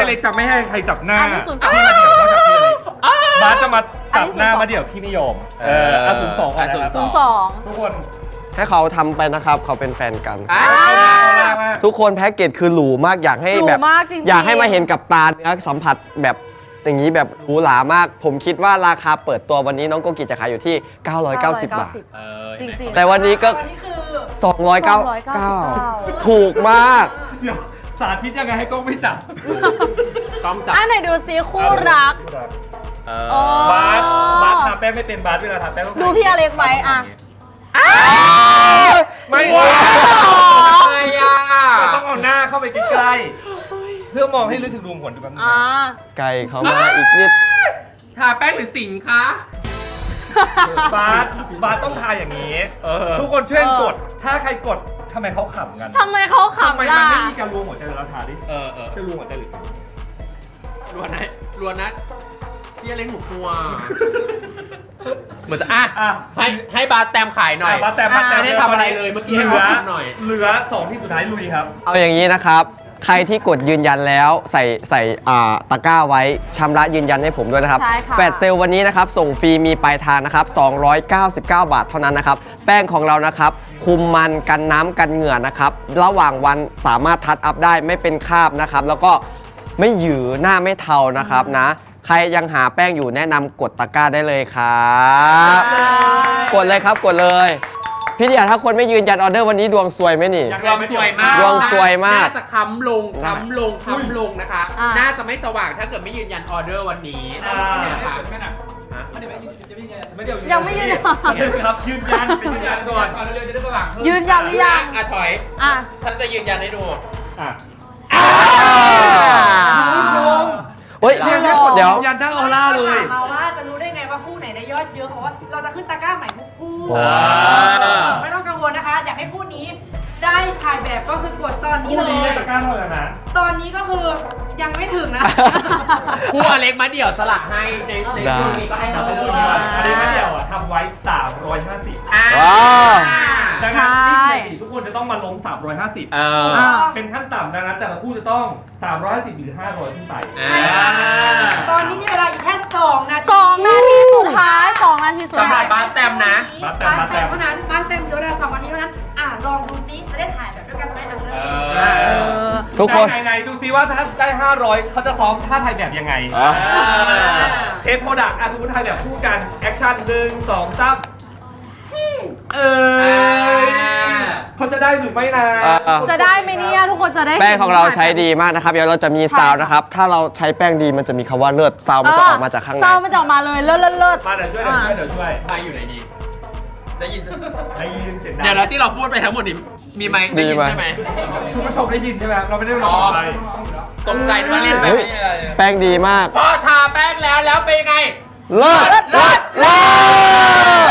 เล็กจะไม่ให้ใครจับหน้าอันนี้02 พี่มาเดี่ยวต้องจับพี่เล็กบาสจะมาจับหน้ามาเดี่ยวพี่ไม่ยอม02ก่อนนะครับ 02 ทุกคนให้เขาทำไปนะครับเขาเป็นแฟนกันมากทุกคนแพ็กเกจคือหรูมากอยากให้แบบหรูมากจริงๆอยากให้มาเห็นกับตาเนื้อสัมผัสแบบอย่างนี้แบบหรูหรามาก ผมคิดว่าราคาเปิดตัววันนี้น้องโกกิจะขายอยู่ที่ 990 บาทจริงๆแต่วันนี้ก็ตอนนี้คือ 299 ถูกมากเดี๋ยวสาธิตยังไงให้กล้องไม่จับต้องจับอันไหนดูซิคู่รักบาสทาแป้งไม่เป็นบาสเวลาทาแป้งต้องดูพี่อเล็กไว้อะไม่ไม่อ่ะมันต้องเอาหน้าเข้าไปใกล้ๆเพื่อมองให้ลึกถึงรูขุมขนดูกันนะไก่เขามาอีกนิดทาแป้งหรือสิงคะบาสต้องทาอย่างนี้ ทุกคนช่วยกด ถ้าใครกดทำไมเขาขำกันทำไมเขาทำไมขำมันล่ะไม่มีการรวมหัวใจแล้วทาดิ จะรวมหัวใจหรือรวนนะพี่เล้งหมูกลัวเหมือนจะให้บาร์แตมขายหน่อยบาสแต่ไม่ได้ทำอะไรเลยเมื่อกี้ให้เขาทำหน่อยเหลือ2ที่สุดท้ายลุยครับเอาอย่างนี้นะครับ ใครที่กดยืนยันแล้วใส่ตะกร้าไว้ชำระยืนยันให้ผมด้วยนะครับใช่ค่ะแฟลชเซลวันนี้นะครับส่งฟรีมีปลายทางนะครับ299 บาทเท่านั้นนะครับแป้งของเรานะครับคุมมันกันน้ำกันเหงื่อนะครับระหว่างวันสามารถทัดอัพได้ไม่เป็นคราบนะครับแล้วก็ไม่หยือหน้าไม่เทานะครับนะใครยังหาแป้งอยู่แนะนำกดตะกร้าได้เลยครับกดเลยครับกดเลยพี่เดียถ้าคนไม่ยืนยันออเดอร์วันนี้ดวงซวยไหมนี่ดวงสวยมากดวงสวยมากน่าจะค้ำลงนะคะ น่าจะไม่สว่างถ้าเกิดไม่ยืนยันออเดอร์วันนี้นะคะยังไม่ยืนยันครับยืนยันเป็นยืนยันก่อนยืนยันหรือยังถอยอ่ะฉันจะยืนยันให้ดูผู้ชมเฮ้ยเนี่ยแค่กดเดี๋ยวยืนยันทั้งออร่าเลยถามว่าจะรู้ได้ไงว่าคู่ไหนได้ยอดเยอะเพราะว่าเราจะขึ้นตะกร้าใหม่ทุกคู่ว้าวไม่ต้องกังวลนะคะ อยากให้คู่นี้ได้ถ่ายแบบก็คือกดตอนนี้คู่เลนี้ยได้ตะกร้าเท่าไหร่นะตอนนี้ก็คือยังไม่ถึงนะคู่อเล็กมาเดี่ยวสลักให้ในช่วงนี้ก็ให้เราไปอัดูดีกว่านนี้ไม่เดียวอ่ะทำไว้ 350 ว้าวดังนั้นที่ทุกคนจะต้องมาลง 350 เป็นขั้นต่ำดังนั้นแต่ละคู่จะต้อง 350 หรือ 500 ขึ้นไปตอนนี้มีเวลาอีกแค่2 นาที 2 นาทีสุดท้าย 2 นาทีสุดสำหท้ารัยบบ้านแตมนะบ้านแซมเท่านั้นบ้านแซมเดี๋ยวเวลา2 นาทีเท่านั้นลองดูซิจะได้ถ่ายแบบด้วยกันไหมทุกคนไหนดูซิว่าถ้าได้ 500 เขาจะซ้อมท่าถ่ายแบบยังไง เทปโปรดักต์สมมติถ่ายแบบคู่กัน แอคชั่น1 2 3เขาจะได้หรือไม่นะจะได้ไหมเนี่ยทุกคนจะได้แป้งของเราใช้ดีมากนะครับเดี๋ยวเราจะมีซาวน์นะครับ ถ้าเราใช้แป้งดีมันจะมีคำว่าเลิศซาวน์มันจะออกมาจากข้างในเศร้ามันจะออกมาเลยเลิศมาเดี๋ยวช่วยเดี๋ยวช่วยไมค์อยู่ไหนดี ได้ยินได้ยินเสียงดังเดี๋ยวนะที่เราพูดไปทั้งหมดนี่มีไมค์ได้ยินใช่ไหมคุณผู้ชมได้ยินใช่ไหมเราไม่ได้ร้องอะไรตกใจว่าเล่นไปเฮ้ยไม่ใช่อะไรแป้งดีมากพอทาแป้งแล้วเป็นยังไงเลิศเลิศเลิศ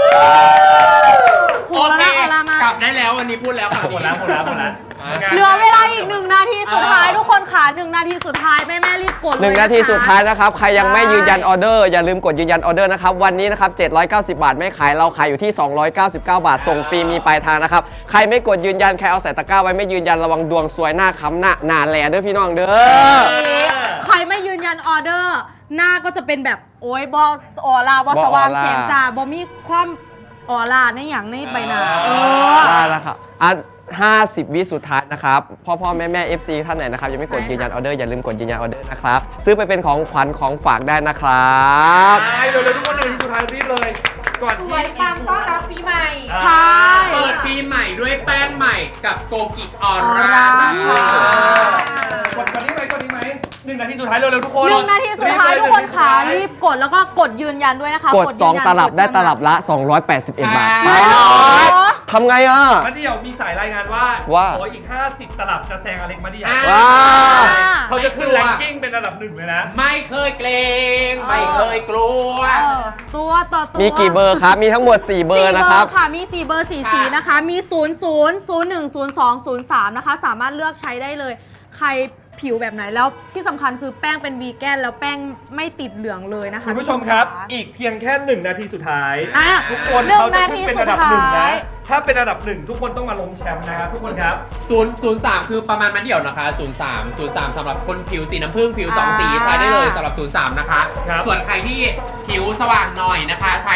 โอเคกลับได้แล้ววันนี้พูดแล้วค่ะหมดแล้วเหลือเวลาอีก1 นาทีสุดท้ายทุกคนค่ะ1 นาทีสุดท้ายแม่รีบกดเลย 1 นาทีสุดท้ายนะครับ ใครยังไม่ยืนยันออเดอร์อย่าลืมกดยืนยันออเดอร์นะครับ วันนี้นะครับ 790 บาทไม่ขายเราขายอยู่ที่ 299 บาท ส่งฟรีมีปลายทางนะครับ ใครไม่กดยืนยันใครเอาใส่ตะกร้าไว้ไม่ยืนยันระวังดวงซวยหน้าค้ำหน้าแหล่เด้อพี่น้องเด้อใครไม่ยืนยันออเดอร์ หน้าก็จะเป็นแบบโอ้ยบอออร่าบอสว่างเสียงจ่าบอมีความออร่าในอย่างในใบหน้าได้แล้วครับ50 วิสุดท้ายนะครับ พ่อแม่ FC ท่านไหนนะครับยังไม่กดยืนยันออเดอร์อย่าลืมกดยืนยันออเดอร์นะครับ ซื้อไปเป็นของขวัญของฝากได้นะครับใช่เร็วๆทุกคน1 นาทีสุดท้ายรีบเลย ก่อนสที่วยปังต้อนรับปีใหม่ใช่เปิดปีใหม่ด้วยแป้งใหม่กับโกกิออออร่าร่ากดนี้ไหม1 นาทีสุดท้ายเร็วๆทุกคน 1 นาทีสุดท้ายทุกคนค่ะรีบกดแล้วก็กดยืนยันด้วยนะคะกดยืนยัน 2 ตลับได้กชนะตลับละ 281 บาทไม่หรอทำไงอ่ะมาเดี่ยวมีสายรายงานว่าโอ้อีก50 ตลับจะแซงอเล็กมาเดี่ยวว้าวเขาจะขึ้นแรงกิ้งเป็นระดับ1เลยนะไม่เคยเกรงไม่เคยกลัวตัวต่อตัวมีกี่เบอร์ครับ มีทั้งหมด 4 เบอร์นะครับ 4 เบอร์ค่ะ มี 4 เบอร์ 4 สีนะคะ มี 00 01 02 03 นะคะ สามารถเลือกใช้ได้เลย ใครผิวแบบไหนแล้วที่สำคัญคือแป้งเป็นวีแกนแล้วแป้งไม่ติดเหลืองเลยนะคะคุณผู้ชมครับ อีกเพียงแค่ 1 นาทีสุดท้ายอ่ะทุกคนหนึ่งเขาจะนาทีขึ้นเป็นอันดับสุดหนึ่งท้านะยถ้าเป็นอันดับหนึ่งทุกคนต้องมาล้มแชมป์นะครับทุกคนครับ 003 คือประมาณมันเดี่ยวนะคะ 03 สำหรับคนผิวสีน้ำผึ้งผิว 2 สีใช้ได้เลยสำหรับ 03 นะคะครับส่วนใครที่ผิวสว่างหน่อยนะคะ ใช้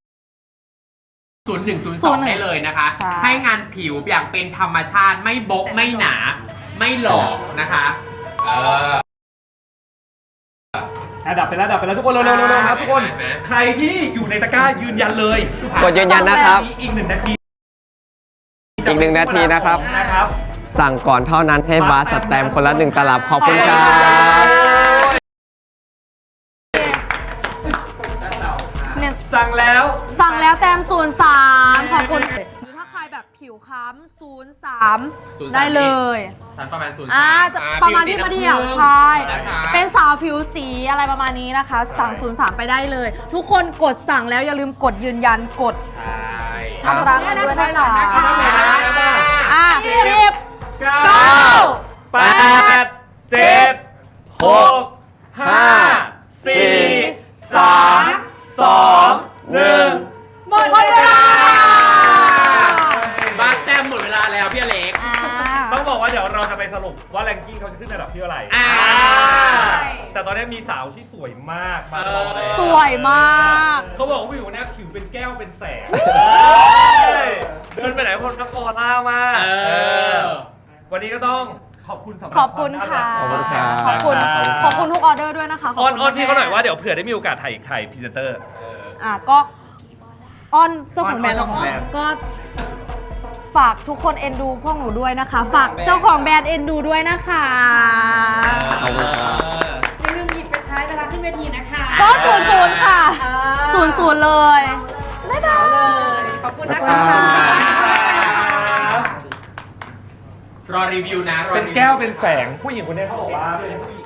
0102 ได้เลยนะคะใช่ให้งานผิวอย่างเป็นธรรมชาติไม่บกไม่หนา ไม่หลอกนะคะดับไปแล้วทุกคนเร็วๆครับทุกคนไหมใครที่อยู่ในตะกร้ายืนยันเลยกดยืนยันนะครับอีก 1 นาทีอีก1 นาทีนะครับนะครับสั่งก่อนเท่านั้นให้บาสสแตมป์คนละ1 ตลับขอบคุณครับเนี่ยสั่งแล้วสั่งแล้วแต้ม03ขอบคุณหรือถ้าใครแบบผิวค้ำ03 ได้เลยฉันประมาณ 03 จะประมาณที่มาเดียวใช่นะคะเป็นสาวผิวสีอะไรประมาณนี้นะคะ สั่ง03 ไปได้เลย ทุกคนกดสั่งแล้วอย่าลืมกดยืนยันกดใช่ชำระเงินด้วยนะคะอ่ะ 10 9 8 7 6 5 4 3 2 1 หมดเวลาบ้านแต้มหมดเวลาแล้วพี่อเล็กต้องบอกว่าเดี๋ยวเราจะไปสรุปว่าแรงกิ้งเขาจะขึ้นอันดับที่เท่าไหร่อ่าแต่ตอนนี้มีสาวที่สวยมากมารอแล้วสวยมากเขาบอกว่าวิวเนี่ยผิวเป็นแก้วเป็นแสงเดินไปไหนคนก็ออร่ามาก วันนี้ก็ต้องขอบคุณสำหรับขอบคุณค่ะขอบคุณครับขอบคุณขอบคุณครับขอบคุณทุกออเดอร์ด้วยนะคะออนขบคุณพี่เขาหน่อยว่าเดี๋ยวเผื่อได้มีโอกาสถ่ายไข่พรีเซนเตอร์ก็ออนเจ้าของแบรนด์ออนเจ้าของแบรนด์ก็ฝากทุกคนเอ็นดูพวกหนูด้วยนะคะ ฝากเจ้าของแบรนด์เอ็นดูด้วยนะคะขอบคุณครับอย่าลืมหยิบไปใช้เวลาขึ้นเวทีนะคะก็00ค่ะเออ 00เลยบ๊ายบายขอบคุณนะขอบคะคุณค่ะรอรีวิวนะรอเป็นรีวิแก้วเป็นแสงผู้หญิงคนนี้เขาบอกว่าเป็นผู้หญิง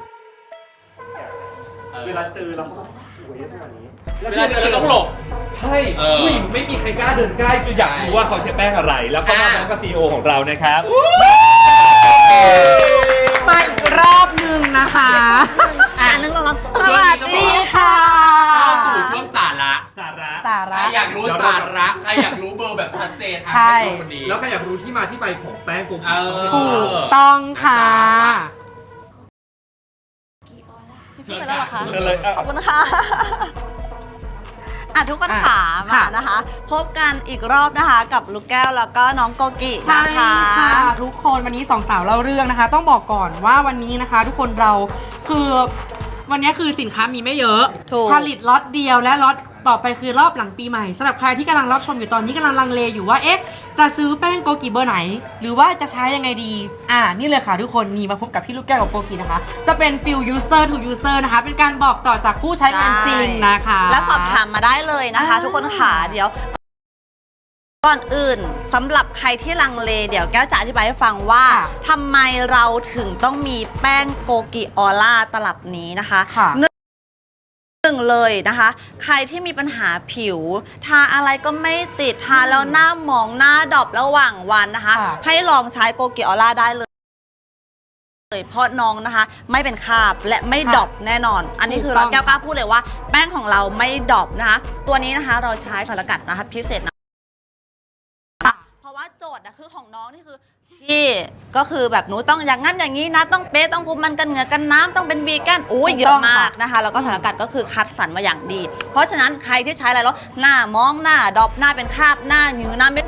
เวลาเจอแล้วเขาต้องสวยขนาดนี้เวลาเจอต้องหลบใช่เออผู้หญิงไม่มีใครกล้าเดินใกล้จะอยากรู้ว่าเขาใช้แป้งอะไร แล้วเขามาพร้อมกับซีอีโอของเรานะครับมาอีกรอบหนึ่งนะคะนึกว่าสวัสดีค่ะเข้าสู่ช่วงสาระสาระสาใครระอยากรู้สาระใครอยากรู้เบอร์แบบชัดเจนอ่ะใช่ให้ดูคนนี้แล้วใครอยากรู้ที่มาที่ไปของแป้งโกกิเออถูกต้องค่ะเชิญค่ะเชิญเลยอ่ะขอบคุณค่ะทุกคนขามาค่ะนะคะ พบกันอีกรอบนะคะ กับลูกแก้วแล้วก็น้องโกกิใช่นะคะค่ะทุกคนวันนี้สองสาวเล่าเรื่องนะคะ ต้องบอกก่อนว่าวันนี้นะคะ ทุกคนเราคือวันนี้คือสินค้ามีไม่เยอะถูกผลิตล็อตเดียวและล็อตต่อไปคือรอบหลังปีใหม่สำหรับใครที่กำลังรับชมอยู่ตอนนี้กำลังลังเลอยู่ว่าเอ๊ะจะซื้อแป้งโกกิเบอร์ไหน หรือว่าจะใช้ยังไงดีนี่เลยค่ะทุกคนนี่มาพบกับพี่ลูกแก้วกับโกกินะคะ จะเป็นฟิล user to user นะคะ เป็นการบอกต่อจากผู้ใช้งานจริงนะคะและสอบถามมาได้เลยนะคะ ทุกคนขาเดี๋ยว ก่อนอื่นสำหรับใครที่ลังเลเดี๋ยวแก้วจะอธิบายให้ฟังว่าค่ะทำไมเราถึงต้องมีแป้งโกกิออร่าตลับนี้นะคะค่ะหนึ่งเลยนะคะ ใครที่มีปัญหาผิว ทาอะไรก็ไม่ติดทาแล้วหน้าหมองหน้าดอบระหว่างวันนะคะค่ะให้ลองใช้โกกิออร่าได้เลยเพราะน้องนะคะไม่เป็นคราบและไม่ดอบแน่นอน อันนี้คือเราแก้วกล้าพูดเลยว่า แป้งของเราไม่ดอบนะคะ ตัวนี้นะคะเราใช้สารสกัดนะคะพิเศษนะเพราะว่าโจทย์นะคือของน้องนี่คือพี่ก็คือแบบหนูต้องอย่างนั้นอย่างนี้นะ ต้องเป๊ะต้องคุมมันกันเหงื่อกันน้ำต้องเป็นวีแกนอุ้ยเยอะมากนะคะแล้วก็สารสกัดก็คือคัดสรรมาอย่างดี เพราะฉะนั้นใครที่ใช้อะไรแล้วหน้ามองหน้าดอบหน้าเป็นคราบหน้าหยือหน้าไม่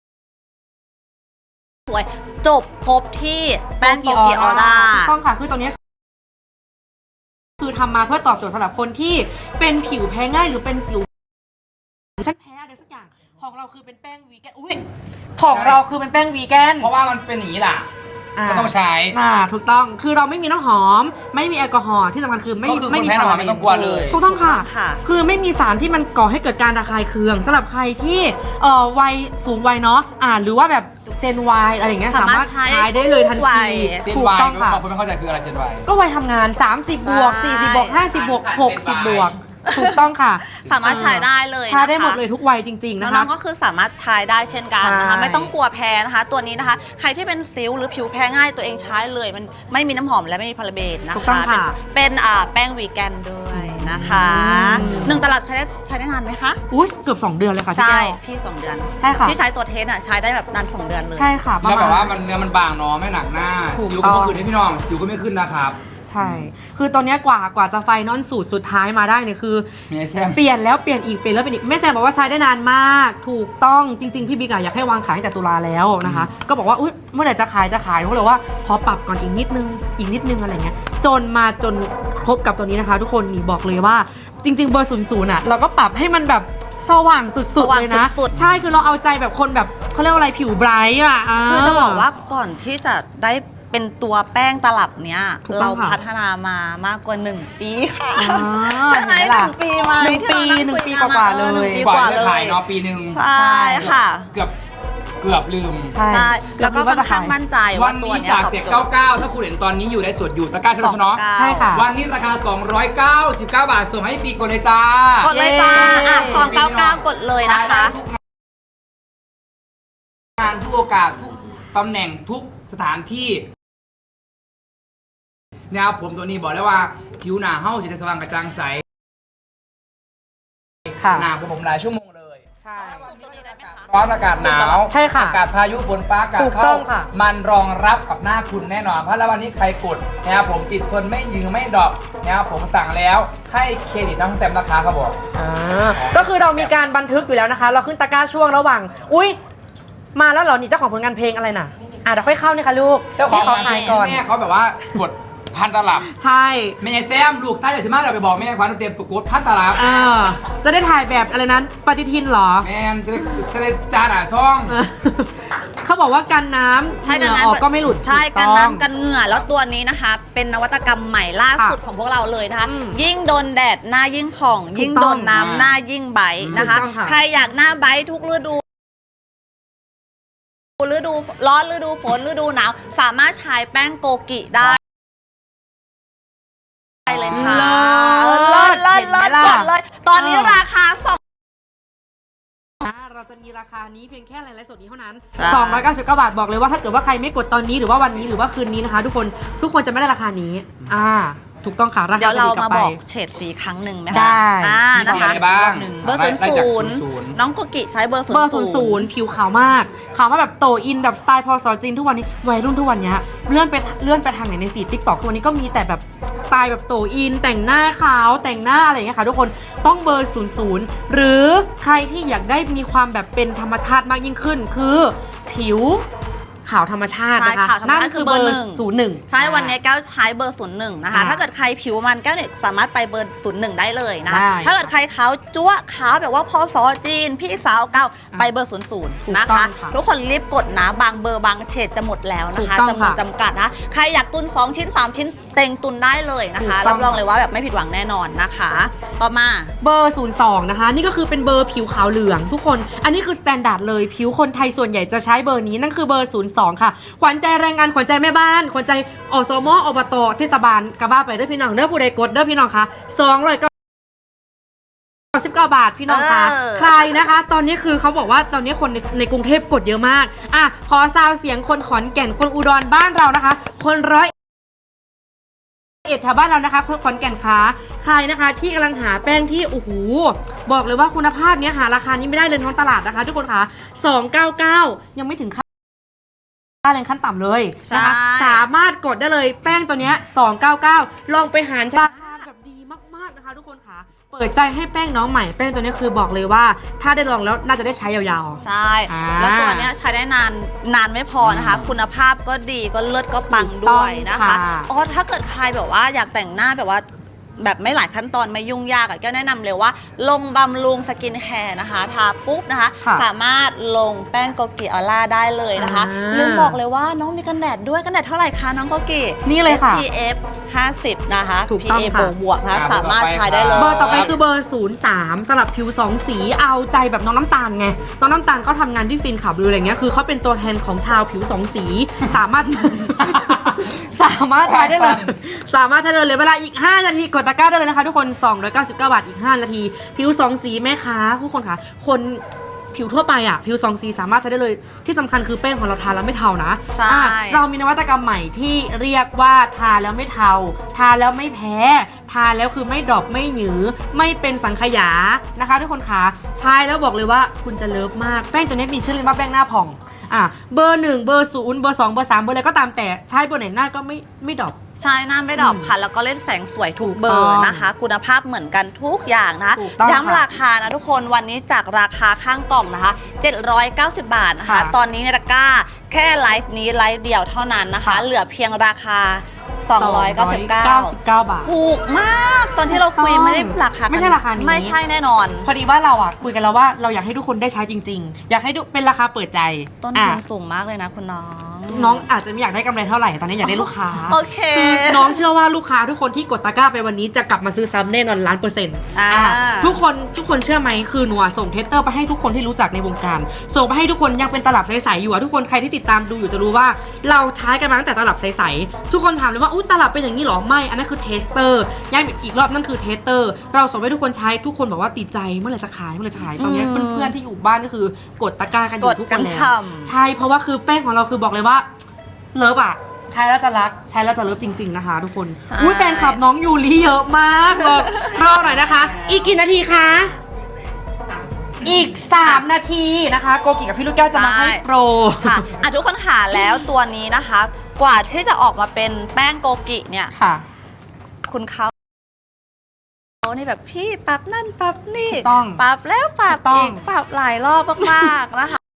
สวยจบครบที่แป้งโกกิออร่าถูกต้องค่ะ คือตัวเนี้ยคือทำมาเพื่อตอบโจทย์สำหรับคนที่เป็นผิวแพ้ง่ายหรือเป็นสิวฉันแพ้อะไรสักอย่างของเราคือเป็นแป้งวีแกนอุ้ยของเราคือเป็นแป้งวีแกนเพราะว่ามันเป็นอย่างนี้แหละก็ต้องใช้ถูกต้องคือเราไม่มีน้ำหอม ไม่มีแอลกอฮอล์ที่สำคัญคือไม่ก็คือไม่คนมีแพ้น้ำหอมไม่ต้องกลัวเลยถูกต้องค่ะถูกต้องค่ะคือไม่มีสารที่มันก่อให้เกิดการระคายเคืองสำหรับใครที่วัยสูงวัยเนาะหรือว่าแบบเจนวายอะไรอย่างเงี้ยสามารถใช้ได้เลยทันวัทียเจนถูกวายต้องค่ะบางคนไม่เข้าใจคืออะไรเจนวายก็วัยทำงาน 30 บวก 40 บวก 50 บวก 60 บวกถูกต้องค่ะสามารถใช้ได้เลยนะคะใช้ได้หมดเลยทุกวัยจริงๆนะคะน้องๆก็คือสามารถใช้ได้เช่นกันนะคะใช่ไม่ต้องกลัวแพ้นะคะ ตัวนี้นะคะ ใครที่เป็นสิวหรือผิวแพ้ง่ายตัวเองใช้เลย มันไม่มีน้ำหอมและไม่มีพาราเบนนะถูกต้อคะงค่ะเป็นแป้งวีแกนด้วยนะคะอืม 1 ตลับใช้ได้นานไหมคะอุ้ยเกือบ2 เดือนเลยค่ะพี่ใช่แก้วพี่2 เดือนใช่ค่ะพี่ใช้ตัวเทสใช้ได้แบบนาน 2 เดือนเลยใช่ค่ะประแล้วแบบมาว่าณมันเนื้อมันบางเนาะไม่หนักหน้าถูกสิวต้ก็องไม่ขึ้นนะพี่น้องสิวก็ไม่ขึ้นนะครับใช่ คือตอนเนี้ยกว่าจะไฟนอลสูตรสุดท้ายมาได้เนี่ยคือมีไอแซมเปลี่ยนแล้วเปลี่ยนอีกเปลี่ยนแล้วเปลี่ยนอีกแม่แซมบอกว่าใช้ได้นานมาก ถูกต้องจริงๆพี่บิ๊กอะอยากให้วางขายตั้งแต่ตุลาแล้วนะคะ ก็บอกว่าอุ๊ยเมื่อไหร่จะขายเขาเลยว่าขอปรับก่อนอีกนิดนึงอะไรเงี้ยจนครบกับตัวนี้นะคะ ทุกคนนี่บอกเลยว่าจริง ๆ เบอร์00อะเราก็ปรับให้มันแบบสว่างสุดๆเลยนะ ใช่คือเราเอาใจแบบคนแบบเขาเรียกว่าอะไรผิวไบรท์อะคือจะบอกว่าก่อนที่จะได้เป็นตัวแป้งตลับเนี้ยถูกต้เราองค่ะพัฒนามามากกว่า 1 ปีค่ะอ่าใช่ไหมเห็นไหมล่ะ 1 ปีไหมหนึ่งปีที่เรานั่งหนึ่งปีคุยกว่าๆนะเลย 1 ปีกกว่าว่าจะเลขายยเนาะปีหนึ่งใช่ค่ะเกือบลืมใช่ใช่ แล้วก็ค่อนข้างมั่นใจวัว่าน ตัวนี้เนี้ยจากตอบโจทย์ 799 ถ้าคุณเห็นตอนนี้อยู่ในสดอยู่ตะกร้าเท่านั้นเนาะใช่ค่ะวันนี้ราคา 299 บาทส่งให้ปีกดเลยจ้ากดเลยจ้าเย้ 299 กดเลยนะคะงานทุกโอกาสทุกตำแหน่งทุกสถานที่นะครับผมตัวนี้บอกแล้วว่าผิวหน้าเฮ้าจะสว่างกระจ่างใสค่ะหน้าผมหลายชั่วโมงเลยใช่ตัวนี้ได้ไหมคะร้อนอากาศหนาวใช่ค่ะอากาศพายุฝนฟ้าอากาศถูกต้เข้าองค่ะมันรองรับกับหน้าคุณแน่นอน เพราะแล้ววันนี้ใครกดนะครับผมติดทนไม่ยืมไม่ดรอปนะครับผมสั่งแล้วให้เครดิตทั้งเต็มราคาครับผมก็คือเรามีการบันทึกอยู่แล้วนะคะ เราขึ้นตะกร้าช่วงระหว่าง อุ๊ย มาแล้วเหรอนี่เจ้าของผลงานเพลงอะไรน่ะเดี๋ยวค่อยเข้านี่ค่ะลูกเจ้าของขอถ่ายก่อนแม่เขาแบบว่ากดพันตลับใช่แม่ยายแซมลูกไส้ใหญ่สิมากเราไปบอกแม่ควันเตรียมกดพันตลับจะได้ถ่ายแบบอะไรนั้นปฏิทินเหรอแม่จะได้จานซ่องเขาบอกว่ากันน้ำใช่เหกันงื่อน้ำออกก็ไม่หลุดใช่ถูกันต้องน้ำกันเหงื่อแล้วตัวนี้นะคะ เป็นนวัตกรรมใหม่ล่าสุดของพวกเราเลยนะคะอืมยิ่งโดนแดดหน้ายิ่งผ่อง ยิ่งโดนน้ำหน้ายิ่งใบนะคะถูกต้องค่ะใครอยากหน้าใบทุกฤดูร้อนฤดูฝนฤดูหนาวสามารถใช้แป้งโกกิได้เลยค่ะเลิศเลิศเห็นไหมเลิศล่ะกดเลย ตอนนี้ราคาเราจะมีราคานี้เพียงแค่ไลฟ์สดนี้เท่านั้นใช่ 299 บาทบอกเลยว่าถ้าเกิดว่าใครไม่กดตอนนี้หรือว่าวันนี้หรือว่าคืนนี้นะคะ ทุกคนจะไม่ได้ราคานี้ ถูกต้องค่ะราคาเดี๋ยวเราจะดีกลัมาไปบอกเฉดสีครั้งหนึ่งไหมคะได้มีนะสีคะอะไรบ้างเบอร์ไล่จาก 00น้องโกกิใช้เบอร์เบอร์00ผิวขาวมากขาวมาแบบโตอินแบบสไตล์พอสอจีนทุกวันนี้วัยรุ่นทุกวันนี้เลื่อนไปทางไหนในฟีดติ๊กต็อกทุกวันนี้ก็มีแต่แบบสไตล์แบบโตอินแต่งหน้าขาวแต่งหน้าอะไรอย่างเงี้ยค่ะทุกคนต้องเบอร์00หรือใครที่อยากได้มีความแบบเป็นธรรมชาติมากยิ่งขึ้นคือผิวขาวธรรมชาตินะคะใช่ขาวธรรมชาตินั่นคือเบอร์ 01 ใช่วันนี้แก้วใช้เบอร์ 01 นะคะ ถ้าเกิดใครผิวมันแก้วเนี่ยสามารถไปเบอร์ 01 ได้เลยนะคะได้ถ้าเกิดใครขาวจั๊วขาวแบบว่าพอสอจีน พี่สาวเก่าไปเบอร์ 00 นะคะ ทุกคนรีบกดนะบางเบอร์บางเฉดจะหมดแล้วนะคะถูกต้องจำนวนค่ะจำกัดนะใครอยากตุน 2 ชิ้น 3 ชิ้นเต็งตุนได้เลยนะคะถูกต้รัองบรองเลยว่าแบบไม่ผิดหวังแน่นอนนะคะ ต่อมาเบอร์ 02 นะคะ นี่ก็คือเป็นเบอร์ผิวขาวเหลืองทุกคน อันนี้คือสแตนดาร์ดเลยผิวคนไทยส่วนใหญ่จะใช้เบอร์นี้นั่นคือเบอร์ 02 ค่ะ ขวัญใจแรงงานขวัญใจแม่บ้าน ขวัญใจอสมอบตเทศบาลกระบ้าไปเด้อพี่น้องเด้อผู้ใดกดเด้อพี่น้องคะ299 บาทพี่น้องคะ ใครนะคะ ตอนนี้คือเขาบอกว่าตอนนี้คนในกรุงเทพกดเยอะมากขอซาวเสียงคนขอนแก่นคนอุดรบ้านเรานะคะ คน101แถวบ้านเรานะคะคนขอนแก่นคะใครนะคะที่กำลังหาแป้งที่โอ้โหบอกเลยว่าคุณภาพเนี้ยหาราคานี้ไม่ได้เลยท้องตลาดนะคะ ทุกคนคะ299ยังไม่ถึงค่าแรงขั้นต่ำเลยนะคะใช่สามารถกดได้เลยแป้งตัวเนี้ย299ลองไปหารราคาแบบดีมากๆนะคะ ทุกคนคะเปิดใจให้แป้งน้องใหม่แป้งตัวนี้คือบอกเลยว่า ถ้าได้ลองแล้วน่าจะได้ใช้ยาวๆใช่ แล้วตัวเนี้ยใช้ได้นานไม่พอนะคะ คุณภาพก็ดีก็เลิศก็ปังด้วยนะคะถูกต้องค่ะอ๋อถ้าเกิดใครแบบว่าอยากแต่งหน้าแบบว่าแบบไม่หลายขั้นตอนไม่ยุ่งยากอะก็แนะนำเลยว่าลงบำรุงสกินแฮร์นะคะทาปุ๊บนะคะค่ะสามารถลงแป้งโกกิออร่าได้เลยนะคะ ลืมบอกเลยว่าน้องมีกันแดดด้วยกันแดดเท่าไหร่คะน้องโกกินี่เลยค่ะ SPF 50 นะคะถูกต้อง PA ค่ะบวกๆนะคะสามารถใช้ได้เลยเบอร์ต่อไปคือเบอร์ 03สำหรับผิว 2 สีเอาใจแบบน้องน้ำตาลไงน้องน้ำตาลเขาทำงานที่ฟินขับหรืออะไรเงี้ยคือเขาเป็นตัวแทนของชาวผิว 2 สี สามารถสามารถใช้ได้เลย สามารถใช้ได้เลยเวลาอีก 5 นาทีกดตะกร้าได้เลยนะคะทุกคน 299 บาทอีก 5 นาที ผิว2สีแม่ค้าทุกคนค่ะคนผิวทั่วไปอ่ะผิว2สีสามารถใช้ได้เลยที่สำคัญคือแป้งของเราทาแล้วไม่เทานะใช่เรามีนวัตกรรมใหม่ที่เรียกว่าทาแล้วไม่เทาทาแล้วไม่แพ้ทาแล้วคือไม่ดรอปไม่หยือไม่เป็นสังขยานะคะทุกคนค่ะใช้แล้วบอกเลยว่าคุณจะเลิฟมากแป้งตัวนี้มีชื่อเรียกว่าแป้งหน้าผ่องเบอร์1เบอร์0เบอร์2เบอร์3เบอร์อะไรก็ตามแต่ใช้เบอร์ไหนหน้าก็ไม่ดรอปใช่หน้าไม่ดรอปค่ะ แล้วก็เล่นแสงสวยทุกเบอร์นะคะ คุณภาพเหมือนกันทุกอย่างนะคะถูกต้องย้ำราคานะทุกคนวันนี้จากราคาข้างกล่องนะคะ 790 บาทนะคะค่ะตอนนี้ในตะกร้าแค่ไลฟ์นี้ไลฟ์เดียวเท่านั้นนะคะ เหลือเพียงราคา 299 บาทถูกมากตอนที่เราคุยไม่ได้ราคาไม่ใช่ราคานี้ไม่ใช่แน่นอนพอดีว่าเราคุยกันแล้วว่าเราอยากให้ทุกคนได้ใช้จริงๆ อยากให้เป็นราคาเปิดใจต้นอ่ะทุนสูงมากเลยนะคุณน้องน้องอาจจะไม่อยากได้กำไรเท่าไหร่ตอนนี้อยากได้ลูกค้าโอเคคือน้องเชื่อว่าลูกค้าทุกคนที่กดตะกร้าไปวันนี้จะกลับมาซื้อซ้ำแน่นอน1,000,000%ทุกคนเชื่อไหมคือหนูส่งเทสเตอร์ไปให้ทุกคนที่รู้จักในวงการส่งไปให้ทุกคนยังเป็นตลับใสๆอยู่ทุกคนใครที่ติดตามดูอยู่จะรู้ว่าเราใช้กันมาตั้งแต่ตลับใสๆทุกคนถามเลยว่าอุ๊ยตลับเป็นอย่างนี้หรอไม่อันนั้นคือเทสเตอร์ย้ำอีกรอบนั่นคือเทสเตอร์เราส่งให้ทุกคนใช้ทุกคนบอกว่าติดใจเมื่อไหร่จะขายตอนนี้เพื่อนๆที่อยู่บ้านก็คือกดตะกร้ากันอยู่ทุกคนแล้วใช่เพราะว่าคือแป้งของเราคือบอกเลยว่าเลิฟอ่ะใช้แล้วจะรักใช้แล้วจะเลิฟจริงๆนะคะทุกคนอุ้ยแฟนคลับน้องยูริเยอะมากเลยรอหน่อยนะคะ อีกกี่นาทีคะอีก3 นาทีนะคะโกกิกับพี่ลูกแก้วจะมาให้โปรค่ะทุกคนค่ะแล้วตัวนี้นะคะ กว่าที่จะออกมาเป็นแป้งโกกิเนี่ยค่ะคุณเขานี่แบบพี่ปรับนั่นปรับนี่ถูกต้องปรับแล้วปรับถูกต้องอีกปรับหลายรอบมากๆนะคะ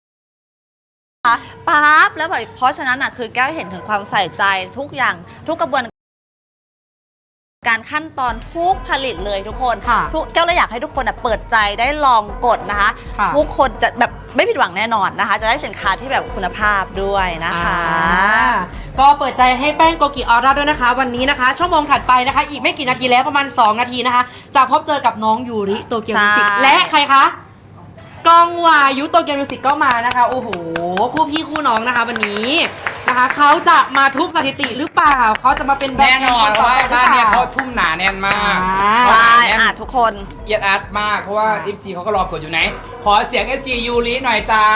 ปั๊บแล้วแบบเพราะฉะนั้นอ่ะคือแก้วเห็นถึงความใส่ใจทุกอย่างทุกกระบวนการขั้นตอนทุกผลิตเลยทุกคนค่ะแก้วเลยอยากให้ทุกคนเปิดใจได้ลองกดนะคะค่ะทุกคนจะแบบไม่ผิดหวังแน่นอนนะคะ จะได้สินค้าที่แบบคุณภาพด้วยนะคะก็เปิดใจให้แป้งโกกิออร่าด้วยนะคะ วันนี้นะคะ ชั่วโมงถัดไปนะคะ อีกไม่กี่นาทีแล้วประมาณ2 นาทีนะคะ จะพบเจอกับน้องยูริโตเกียวมิวสิกใช่และใครคะกองวายุโตเกียวมิวสิกก็มานะคะโอ้โหคู่พี่คู่น้องนะคะ วันนี้นะคะเขาจะมาทุบสถิติหรือเปล่าเขาจะมาเป็นแบรแน่นด์นอนต่อว่าไปหรือบ้านเปเนี่ยล่าเขาทุ่มหนาแน่นมากใช่แน่นทุกคนเอียดอัดมากเพราะว่า FC เขาก็รอกดอยู่ไหน ขอเสียง FC ยูริหน่อยจ้า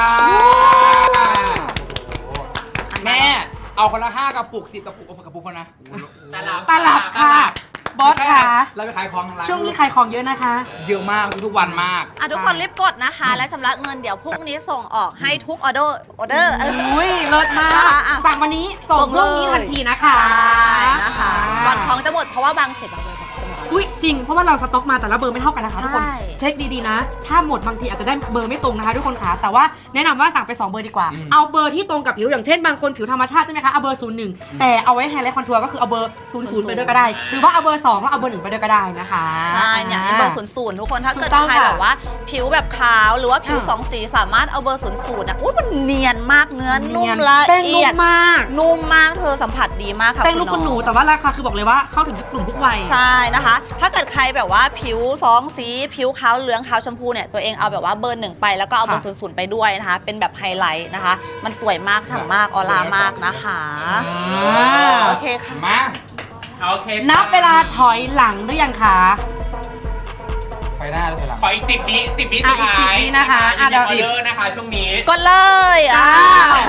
แม่เอาคนละ5 กระปุก 10 กระปุกเอากระปุกคนนะตลับค่ะบอสค่ะเราไปขายของร้านช่วงนี้ขายของเยอะนะคะเยอะมากทุกวันมากทุกคนรีบกดนะคะ และชำระเงินเดี๋ยวพรุ่งนี้ส่งออกให้ทุกออเดอร์อุ้ยเลิศมาก สั่งวันนี้ส่งพรุ่งนี้ทันทีนะคะนะคะก่อนท้องจะหมดเพราะว่าบางเฉดบางเบอร์จะหมดอุ้ยจริงเพราะว่าเราสต็อกมาแต่ละเบอร์ไม่เท่ากันนะคะทุกคนใช่เช็คดีๆนะ ถ้าหมดบางทีอาจจะได้เบอร์ไม่ตรงนะคะทุกคนค่ะแต่ว่าแนะนำว่าสั่งไป2 เบอร์ดีกว่า เอาเบอร์ที่ตรงกับผิวอย่างเช่นบางคนผิวธรรมชาติใช่ไหมคะเอาเบอร์01แต่เอาไว้ไฮไลท์คอนทัวร์ก็คือเอาเบอร์00ไปด้วยก็ได้ หรือว่าเอาเบอร์2แล้วเอาเบอร์1ไปด้วยก็ได้นะคะใช่เนี่ยนี่เบอร์00ทุกคนถ้าเกิดถูกต้องใครค่ะแบบว่าผิวแบบขาวหรือว่าผิวอ่า 2 สีสามารถเอาเบอร์00นะอุ้ยมันเนียนมากเนื้อนุ่มละแป้งเอีนุ่ยมดมากนุ่มมากเธอสัมผัสดีมากค่ะแป้งลูกคุณหนูแต่ว่าราคาคือบอกเลยว่าเข้าถึงทุกกลุ่มทุกวัยใช่นะคะ ถ้าเกิดใครแบบว่าผิว2 สีผิวขาวเหลืองขาวชมพูเนี่ยตัวเองเอาแบบว่าเบอร์1ไปแล้วก็เอาเบอร์00ไปด้วยนะคะ เป็นแบบไฮไลท์นะคะ มันสวยมากฉ่ำมากออร่ามากนะคะ โอเคค่ะมาโอเคนับเวลาถอยหลังหรือยังคะไปหน้าหรือไปหลังขออีก10 วิสุดอีกท้าย 10 วินะคะอีกเดี๋ยวออเดอร์นะคะช่วงนี้กดเลยอ้าว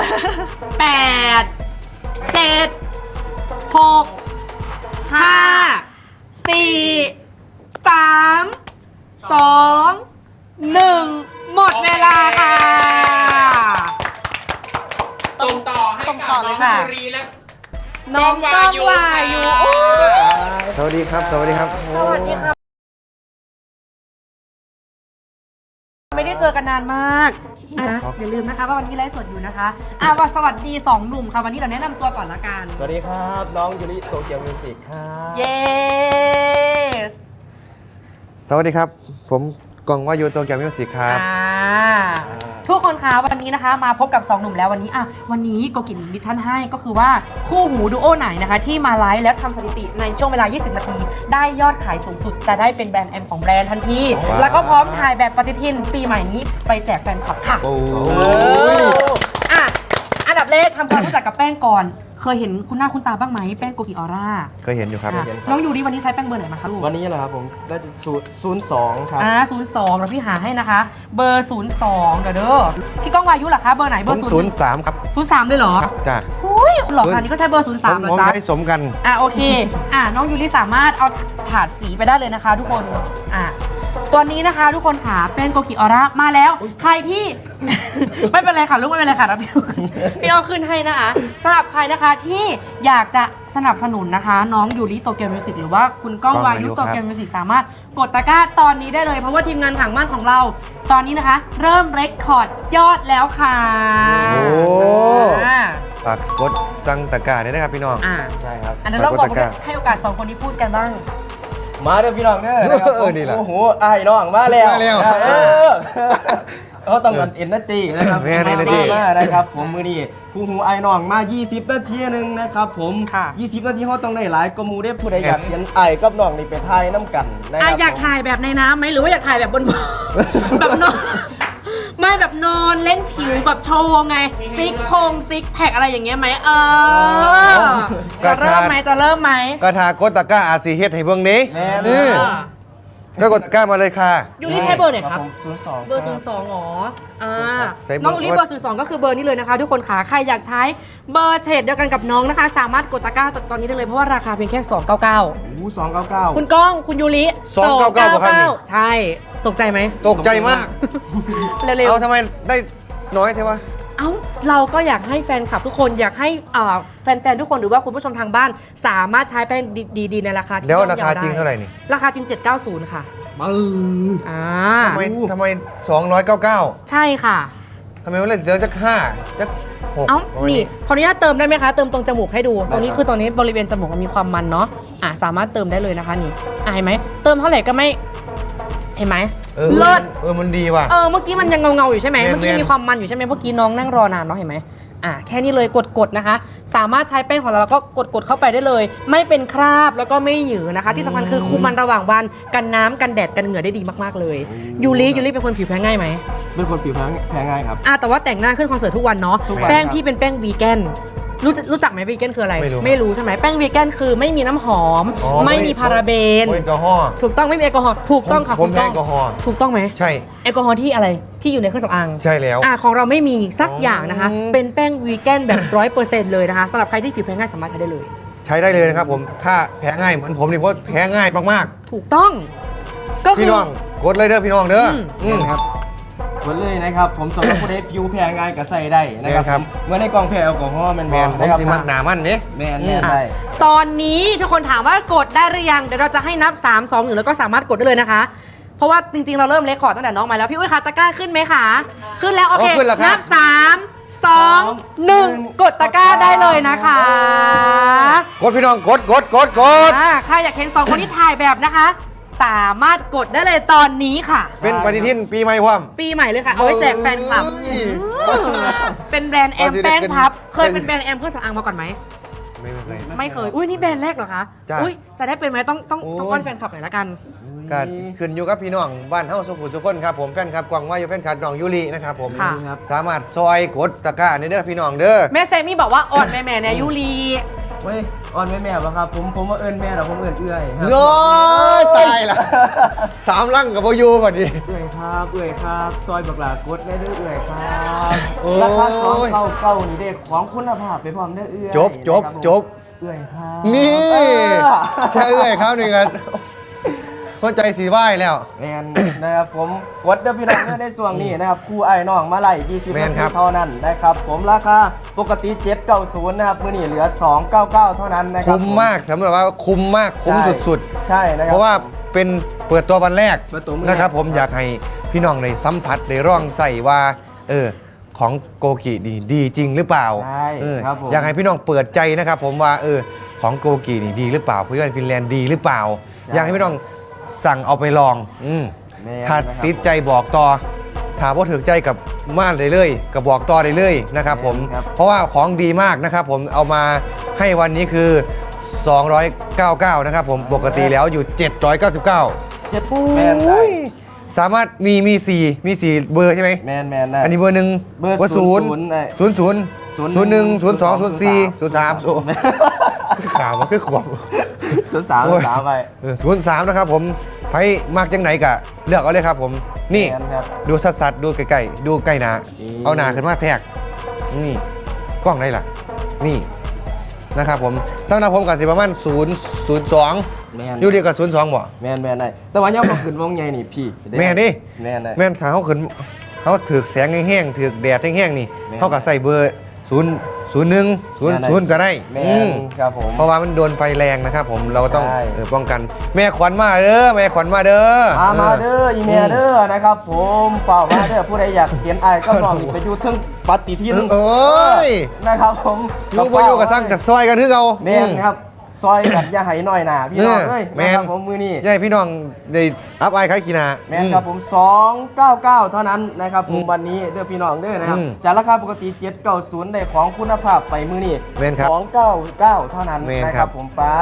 8 7 6 5 4 3 2 1 หมดเวลาค่ะส่งต่อให้ส่งกับต่อน้เลอย งค่ะยูรีและน้องก้องวายุค่ะสวัสดีครับ สวัสดีครับสวัสดีค่ะ ไม่ได้เจอกันนานมากอย่าลืมนะคะว่าวันนี้ไลฟ์สดอยู่นะคะว่าสวัสดี2 หนุ่มค่ะ วันนี้เราแนะนำตัวก่อนละกันสวัสดีครับ น้องยูริโตเกียวมิวสิกครับเย้สวัสดีครับ ผมกองวายุโตเกียวมิวสิกครับทุกคนคะวันนี้นะคะมาพบกับ2 หนุ่มแล้ววันนี้วันนี้โกกิมิชชั่นให้ก็คือว่าคู่หูดูโอไหนนะคะ ที่มาไลฟ์แล้วทำสถิติในช่วงเวลา 20 นาที ได้ยอดขายสูงสุดจะได้เป็นแบรนด์แอมของแบรนด์ทันทีว้าวแล้วก็พร้อมถ่ายแบบปฏิทินปีใหม่นี้ไปแจกแฟนคลับค่ะโอ้อันดับแรกทำความรู้จักกับแป้งก่อนเคยเห็นคุณหน้าคุณตาบ้างไหมแป้งโกกิออร่าเคยเห็นอยู่ครับค่ะน้องยูริวันนี้ใช้แป้งเบอร์ไหนมาคะลูกวันนี้แหละครับผมได้02 ครับ 02แล้วพี่หาให้นะคะ เบอร์ 02เดี๋ยวเด้อพี่ก้องวายุเหรอคะเบอร์ไหนเบผอมร์ 03 ครับ 03เลยเหรอครับจ้าหุ้ยคุณหลอกค่ะนี่ก็ใช้เบอร์ 03เหรอผมจ๊ะใช้สมกันโอเคน้องยูริสามารถเอาถาดสีไปได้เลยนะคะ ทุกคนตัวนี้นะคะทุกคนค่ะแป้งโกกิออร่ามาแล้วใครที่ ไม่เป็นไรค่ะลูกไม่เป็นไรค่ะนะพี่เอาขึ้นให้นะคะสำหรับใครนะคะที่อยากจะสนับสนุนนะคะ น้องยูริโตเกียวมิวสิกหรือว่าคุณก้องวายุโตเกียวมิวสิกสามารถกดตะกร้าตอนนี้ได้เลยเพราะว่าทีมงานถังบ้านของเราตอนนี้นะคะ เริ่มเรคคอร์ดยอดแล้วค่ะโอ้อ่าฝากกดสั่งตะกร้าด้วยนะครับพี่น้องใช่ครับอันนั้นเราบอกฝากกดตะกร้าให้โอกาส2คนนี้พูดกันบ้างมาเด้อพี่น้องเด้อนะครับนี่แหละโอ้โหไอ้น้องมาแล้วมาแล้วเขาต้องการเอ็นนาจีนะครับแม่น energy มานะครับผมมือนี้คู่หูไอ้น้องมา 20 นาทีหนึงนะครับผมค่ะ 20 นาทีเขาต้องได้หลายก็มูได้ผู้ใดอยากเห็นไอ้กับน้องนี่ไปถ่ายน้ำกันนะครัอยากถ่ายแบบในน้ำไหมหรือว่าอยากถ่ายแบบบน แบบนอนไม่แบบนอนเล่นผิวแบบโชว์ไงซิกแพคอะไรอย่างเงี้ยไหมจะเริ่มไหมจะเริ่มไหมกระทากดตะกร้าอาซีเฮ็ดให้เบิ่งนี้แม่นนี่ก็กดตะกร้ามาเลยค่ะยูริใช้เบอร์ไหนครับผม02 เบอร์ค 02หรอใช้เบอร์น้องยูริเบอร์02ก็คือเบอร์นี้เลยนะคะ ทุกคนค่ะใครอยากใช้เบอร์เฉดเดียวกันกับน้องนะคะ สามารถกดตะกร้าตอนนี้ได้เลยเพราะว่าราคาเพียงแค่299 โอ้299 คุณก้องคุณยูริ 299ครับนี่ใช่ตกใจไหมตกใจมากเร็วๆเอาทำไมได้น้อยเท่วะเอ้าเราก็อยากให้แฟนคลับทุกคนอยากให้แฟนๆทุกคนหรือว่าคุณผู้ชมทางบ้าน สามารถใช้แป้งดีๆในราคาที่แล้วย่อมราคาเยวจริงได้เท่าไหร่นี่ราคาจริง 790 ค่ะทำไม299 ใช่ค่ะทำไมมันเหลือจัก5จัก6 เอ้านี่ขออนุญาตเติมได้ไหมคะเติมตรงจมูกให้ดูตรงนี้คือตอนนี้บริเวณจมูกมันมีความมันเนาะสามารถเติมได้เลยนะคะนี่เห็นไหมเติมเท่าไหร่ก็ไม่เห็นไหมเลิศมันดีว่ะเมื่อกี้มันยังเงาๆอยู่ใช่ไหมแม่นเมื่อกี้มีความมันอยู่ใช่ไหมเมื่อกี้น้องนั่งรอนานเนาะเห็นไหมแค่นี้เลยกดนะคะ สามารถใช้แป้งของเราแล้วก็กดเข้าไปได้เลย ไม่เป็นคราบแล้วก็ไม่หยือนะคะ ที่สำคัญคือคุมมันระหว่างวันกันน้ำกันแดดกันเหงื่อได้ดีมากๆเลยยูริเป็นคนผิวแพ้ง่ายไหมเป็นคนผิวแพ้ง่ายครับแต่ว่าแต่งหน้าขึ้นคอนเสิร์ตทุกวันเนาะทุกวันแป้งครับพี่เป็นแป้งวีแกนรู้จักไหมวีแกนคืออะไรไม่รู้ใช่ไหมแป้งวีแกนคือไม่มีน้ำหอม ไม่มีพาราเบนแอลกอฮอล์ถูกต้องไม่มีแอลกอฮอล์ถูกต้องค่ะผมคุณแพ้ก้แอลกอฮอล์ถูกต้องไหมใช่แอลกอฮอล์ที่อะไรที่อยู่ในเครื่องสำอางใช่แล้วของเราไม่มีสักอย่างนะคะอืมเป็นแป้งวีแกนแบบ 100% เลยนะคะสำหรับใครที่ผิวแพ้ง่ายสามารถใช้ได้เลยใช้ได้เลยนะครับผมถ้าแพ้ง่ายเหมือนผมนี่เพราะแพ้ง่ายมากถูกต้อง ก็ๆคืพี่น้องกดเลยเด้อพี่น้องเด้ออครับหมดเลยนะครับ ผมสำหรับผู้ใดผิวแพ้ง่ายก็ใส่ได้นะครับแม่นครับเมื่อในกล่องแพ้แอลกอฮอล์แมันแมบอนผมนะครับสิมักหนามันเนี่ยแม่นได้ตอนนี้ทุกคนถามว่ากดได้หรือยังเดี๋ยวเราจะให้นับ 3 2 1แล้วก็สามารถกดได้เลยนะคะ เพราะว่าจริงๆเราเริ่มเลคคอร์ดตั้งแต่น้องมาแล้วพี่อุ้ยคะตะกร้าขึ้นไหมคะขึ้นแล้วโอเคขึ้นแล้วครับนับ 3 2 1 กดตะกร้าได้เลยนะคะกดพี่น้องกดใครอยากเห็น2คนที่ถ่ายแบบนะคะ สามารถกดได้เลยตอนนี้ค่ะเป็นปฏิทินปีใหม่ความปีใหม่เลยค่ะ เอาไว้แจกแฟนคลับเป็นแบรนด์แอมแป้งพับ เคยเป็นแบรนด์แอมเครื่องสำอางมาก่อนไหม ไม่เคย อุ้ยนี่แบรนด์แรกเหรอคะจ้ะอุ้ยจะได้เป็นไหมต้องโอ้ยอ้อนแฟนคลับหน่อยละกันก็ขึ้นอยู่กับพี่น้องบ้านเฮาสุขุมสุขคนครับผมแฟนคลับกวางว่าอยู่แฟนคลับน้องยูรินะครับผมค่ะสามารถซอยกดตะกร้าในเด้อพี่น้องเด้อแม่เซมี่บอกว่าอ่อนแม่เนี่ยยูรีเว้ยอ่อนแม่ป่ะครับผมว่าเอิญแม่แต่ผมเอิญเอื้อยครับเน้อยตายละ3ลังกับโบอยูบัดนี้เอื้อยครับซอยบักหลากดได้เด้อเอื้อยครับโอ้ยราคา299นี่เด็กของคุณภาพไปพร้อมเด้อเอื้อยจบนะครับผมจบเอื้อยครับนี่เออแค่เอ้ยครับนี่กันเข้าใจสีไหว้แล้วแมนนะครับผมกดเด้อพี่น้องเด้อในส่วนนี้นะครับครูไอ้น้องมาไล่20 แม่นานคทีรับเท่านั้นนะครับผมราคาปกติ790นะครับมื้อนี้เหลือ299เท่านั้นนะครับคุ้มมากสำหรับว่าคุ้มมากคุ้มสุดๆใช่นะครัเพราะว่าเป็นเปิดตัววันแรกเปิดตัวมื้อแรกนะครับผมอยากให้พี่น้องในสัมผัสในร่องใส่ว่าของโกกิดีจริงหรือเปล่าใช่ ครับผมอยากให้พี่น้องเปิดใจนะครับผมว่าของโกกินี่ดีหรือเปล่าเพื่อนฟินแลนด์ดีหรือเปล่า อยากให้พี่น้องสั่งเอาไปลองถ้าติดใจบอกต่อถามว่าถึงใจกับม่านเลยกับบอกต่อได้เลยนะครับผมเพราะว่าของดีมากนะครับผมเอามาให้วันนี้คือ 299นะครับผมปกติแล้วอยู่ 799 แมนได้สามารถมี4เบอร์ใช่ไหมแมนได้อันนี้เบอร์หนึ่งเบอร์ศูนย์ได้ 00 01 02 04 03ข่าวมันคือขวบ 03ไป 03นะครับผมไพ่มากจังไหนกะเลือกเอาเลยครับผมนี่แมนครับดูสัดๆดูใกล้ๆดูใกล้หนานี่เอาหนาขึ้นมาแทกนี่กล้องไหนล่ะนี่นะครับผมสำหรับผมกับสิประมาณ002 แมนอยู่ดีกับ02บ่แมนได้แต่ว่ายังบ่ขึ้นวงใหญ่นี่พี่แม่นดิแมนได้แม่นถ้าเขาขึ้นเขาถือแสงแห้งๆถือแดดแห้งๆนี่แม่นเขาก็ใส่เบอร์001 00ก็ได้แมอืนมครับผมเพราะว่ามันโดนไฟแรงนะครับผมเราก็ต้องใช่ป้องกันแม่ขวัญมาเด้อแม่ขวัญมาเด้อมาเด้ออีเมลเด้อนะครับผมเฝ้ามาเด้อผู้ใดอยากเขียนไอ้ก็ลองไปอยู่เทั้งปฏิทินโอ้ยนะครับผมลูกบ่อยู่กับสร้างกับซอยกันคือเอาแม่นครับซอยแบบอย่าให้น้อยหนาพี่น้องเอ้ยแม่นนะครับผมมือนี้ใช่พี่น้องได้อัพไอคล้ายกีนาแม่นครับผม 299 เท่านั้นนะครับผมวันนี้เด้อพี่น้องเด้อนะครับ จากราคาปกติ 790ได้ของคุณภาพไปมือนี้แม่นครับ 299 เท่านั้นแม่นนะคครัรับ บผมป้า